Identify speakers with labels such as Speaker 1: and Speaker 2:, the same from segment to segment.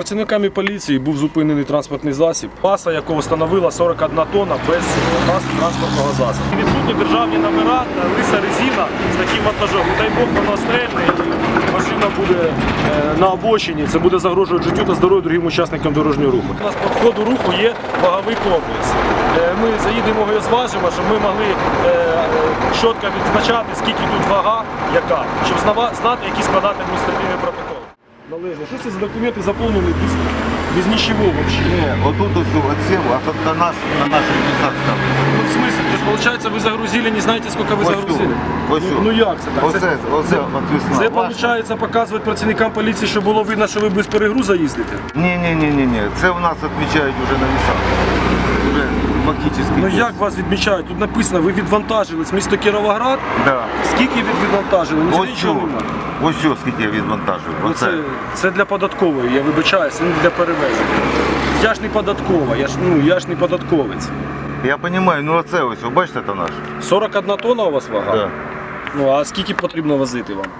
Speaker 1: Працівниками поліції був зупинений транспортний засіб, маса якого становила 41 тонна без транспортного засобу. Відсутні державні номера, лиса резина з таким вантажом. Дай Бог, воно стрельне і машина буде на обочині. Це буде загрожувати життю та здоров'ю другим учасникам дорожнього руху. У нас по входу руху є ваговий комплекс. Ми заїдемо його і зважимо, щоб ми могли чітко відзначати, скільки тут вага, яка, щоб знати, які складати адміністративні протоколи. Належно. Що це за документи заповнені без нічого взагалі?
Speaker 2: Не, вот тут все отсел, а тут на наших местах там.
Speaker 1: Ну, в смысле? То есть, получается, вы загрузили, не знаете, сколько ви загрузили?
Speaker 2: Ось
Speaker 1: Ну як це так?
Speaker 2: Оце отвісна.
Speaker 1: Це, виходить, показують працівникам поліції, щоб було видно, що ви без перегруза їздите?
Speaker 2: Ні. Це у нас відмічають вже на вісах. Вже фактично.
Speaker 1: Ну як вас відмічають? Тут написано, ви відвантажились місто Кіровоград.
Speaker 2: Да.
Speaker 1: Скільки відвантажили? Нічого немає.
Speaker 2: Ось що, скільки я відвантажив. Оце.
Speaker 1: Це для податкової, я вибачаюся, це не для перевезення. Я ж не податкова, я ж не податковець.
Speaker 2: Я розумію, ну оце ось, ви бачите, це наш?
Speaker 1: 41 тонна у вас вага?
Speaker 2: Да.
Speaker 1: Ну а скільки потрібно возити вам?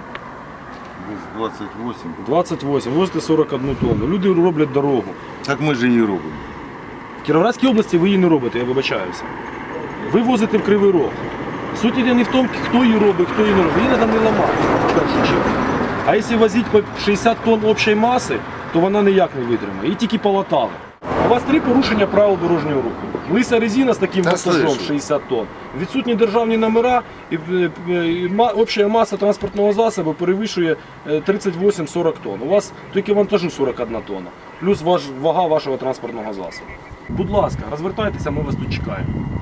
Speaker 2: 28.
Speaker 1: 28, возите 41 тонну. Люди роблять дорогу.
Speaker 2: Так ми ж її робимо.
Speaker 1: В Кіровоградській області ви її не робите, я вибачаюся. Ви возите в Кривий Рог. Суть іде не в тому, хто її робить, хто її не робить. Її треба не ламати, в першу чергу. А якщо возити по 60 тонн общої маси, то вона ніяк не витримає. Її тільки полатали. У вас 3 порушення правил дорожнього руху. Лиса резина з таким вантажом 60 тонн, відсутні державні номера і обща маса транспортного засобу перевищує 38-40 тонн. У вас тільки вантажу 41 тонна, плюс вага вашого транспортного засобу. Будь ласка, розвертайтеся, ми вас тут чекаємо.